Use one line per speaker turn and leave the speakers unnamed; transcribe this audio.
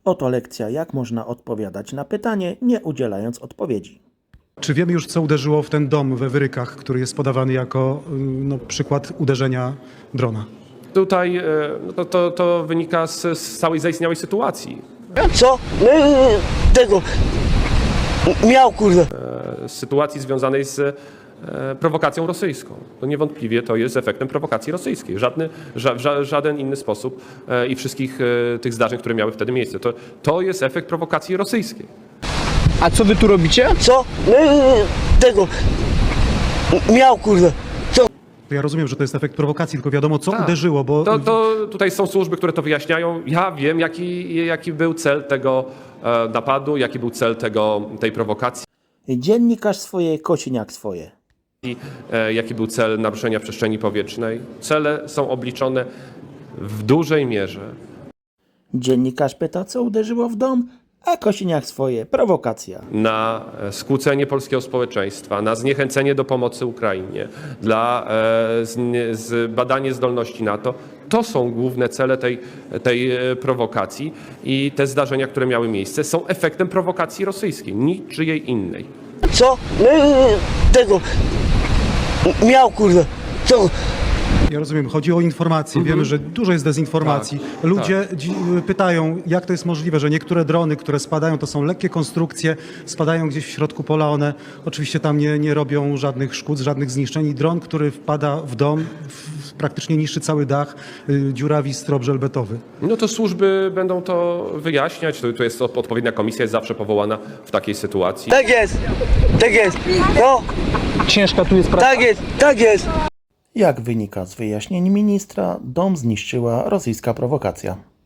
Oto lekcja, jak można odpowiadać na pytanie, nie udzielając odpowiedzi.
Czy wiemy już, co uderzyło w ten dom we Wyrykach, który jest podawany jako przykład uderzenia drona?
Tutaj to wynika z całej zaistniałej sytuacji.
Co? Tego. Miał, kurde.
Z sytuacji związanej z prowokacją rosyjską. To niewątpliwie to jest efektem prowokacji rosyjskiej. Żaden inny sposób i wszystkich tych zdarzeń, które miały wtedy miejsce. To jest efekt prowokacji rosyjskiej.
A co wy tu robicie?
Co? Tego. Miał, kurde. Co?
Ja rozumiem, że to jest efekt prowokacji, tylko wiadomo, co
Tak.
uderzyło, bo...
To tutaj są służby, które to wyjaśniają. Ja wiem, jaki był cel tego napadu, jaki był cel tej prowokacji,
Dziennikarz swoje, Kosiniak swoje.
jaki był cel naruszenia przestrzeni powietrznej. Cele są obliczone w dużej mierze
Dziennikarz pyta, co uderzyło w dom, a Kosiniak swoje, prowokacja.
na skłócenie polskiego społeczeństwa, na zniechęcenie do pomocy Ukrainie, dla badanie zdolności NATO. To są główne cele tej prowokacji i te zdarzenia, które miały miejsce, są efektem prowokacji rosyjskiej, niczyjej innej.
Co? Tego. Miał, kurde. Co?
Ja rozumiem, chodzi o informacje. Wiemy, że dużo jest dezinformacji. Ludzie pytają, jak to jest możliwe, że niektóre drony, które spadają, to są lekkie konstrukcje, spadają gdzieś w środku pola, one oczywiście tam nie robią żadnych szkód, żadnych zniszczeń. Dron, który wpada w dom, praktycznie niszczy cały dach, dziurawi strop żelbetowy.
No to służby będą to wyjaśniać. To jest odpowiednia komisja, jest zawsze powołana w takiej sytuacji.
Tak jest. Tak jest. No.
Ciężka tu jest praca.
Tak jest. Tak jest.
Jak wynika z wyjaśnień ministra, dom zniszczyła rosyjska prowokacja.